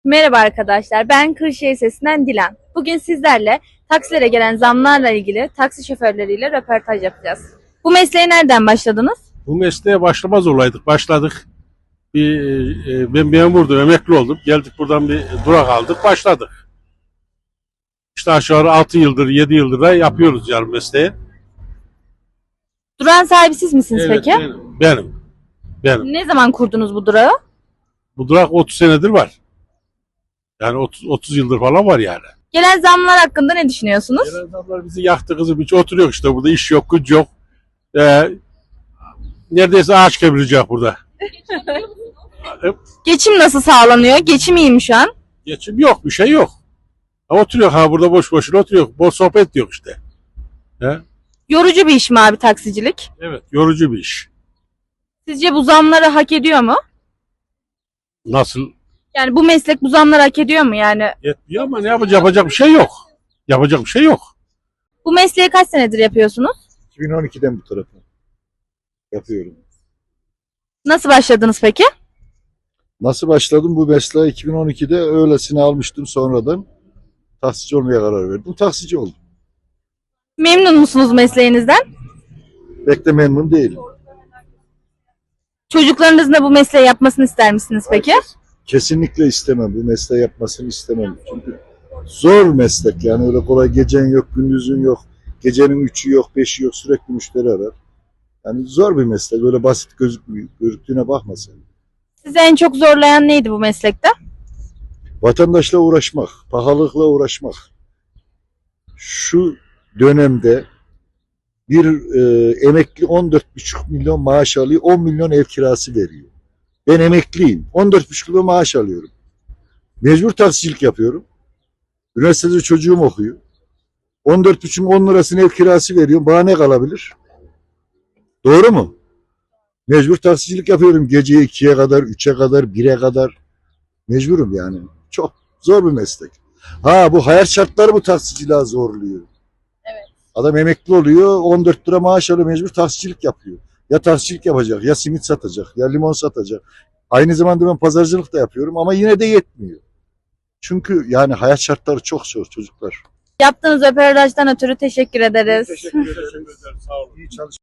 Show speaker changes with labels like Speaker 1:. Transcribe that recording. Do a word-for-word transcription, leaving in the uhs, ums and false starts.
Speaker 1: Merhaba arkadaşlar, ben Kırşehir Sesi'nden Dilan. Bugün sizlerle taksilere gelen zamlarla ilgili taksi şoförleriyle röportaj yapacağız. Bu mesleğe nereden başladınız?
Speaker 2: Bu mesleğe başlamaz olaydık. Başladık. Bir, e, ben memurdum, emekli oldum. Geldik buradan bir durak aldık, başladık. İşte aşağı yukarı altı yıldır, yedi yıldır da yapıyoruz yani mesleği.
Speaker 1: Durağın sahibi siz misiniz
Speaker 2: Evet,
Speaker 1: peki?
Speaker 2: benim. Benim. Benim.
Speaker 1: Ne zaman kurdunuz bu durağı?
Speaker 2: Bu durak otuz senedir var. Yani otuz, otuz yıldır falan var yani.
Speaker 1: Gelen zamlar hakkında ne düşünüyorsunuz?
Speaker 2: Gelen adamlar bizi yaktı kızım. Hiç oturuyor işte burada. İş yok, güç yok. Ee, neredeyse ağaç kemirecek burada.
Speaker 1: Geçim nasıl sağlanıyor? Geçim iyi mi şu an?
Speaker 2: Geçim yok, bir şey yok. Ha, oturuyor ha burada boş boşuna oturuyor. Boş sohbet yok işte. He?
Speaker 1: Yorucu bir iş mi abi taksicilik?
Speaker 2: Evet, yorucu bir iş.
Speaker 1: Sizce bu zamları hak ediyor mu?
Speaker 2: Nasıl?
Speaker 1: Yani bu meslek bu zamları hak ediyor mu yani?
Speaker 2: Yetmiyor ama ne yapacak, yapacak bir şey yok. Yapacak bir şey yok.
Speaker 1: Bu mesleği kaç senedir yapıyorsunuz?
Speaker 3: iki bin on ikiden bu tarafa yapıyorum.
Speaker 1: Nasıl başladınız peki?
Speaker 3: Nasıl başladım bu mesleğe? iki bin on ikide öylesine almıştım, sonradan taksici olmaya karar verdim. Taksici oldum.
Speaker 1: Memnun musunuz mesleğinizden?
Speaker 3: Pek de memnun değilim.
Speaker 1: Çocuklarınızın da bu mesleği yapmasını ister misiniz peki?
Speaker 3: Kesinlikle istemem. Bu mesleği yapmasını istemem. Çünkü zor meslek, yani öyle kolay, gecen yok, gündüzün yok. Gecenin üçü yok, beşi yok, sürekli müşteri arar. Yani zor bir meslek. Öyle basit gözükmüyor. Gözüktüğüne bakma sen.
Speaker 1: Sizi en çok zorlayan neydi bu meslekte?
Speaker 3: Vatandaşla uğraşmak, pahalılıkla uğraşmak. Şu dönemde bir e, emekli on dört buçuk milyon maaş alıyor, on milyon ev kirası veriyor. Ben emekliyim, on dört buçuk milyon maaş alıyorum. Mecbur taksicilik yapıyorum. Üniversitede çocuğum okuyor. on dört buçuk on lirasını ev kirası veriyorum. Bana ne kalabilir? Doğru mu? Mecbur taksicilik yapıyorum. Gece ikiye kadar, üçe kadar, bire kadar. Mecburum yani. Çok zor bir meslek. Ha, bu hayat şartları bu taksiciliğe zorluyor. Adam emekli oluyor, on dört lira maaş alıyor, mecbur taksicilik yapıyor. Ya taksicilik yapacak, ya simit satacak, ya limon satacak. Aynı zamanda ben pazarcılık da yapıyorum ama yine de yetmiyor. Çünkü yani hayat şartları çok zor çocuklar.
Speaker 1: Yaptığınız röportajdan ötürü teşekkür ederiz.
Speaker 2: Teşekkür ederim. Sağ olun.
Speaker 3: İyi çalış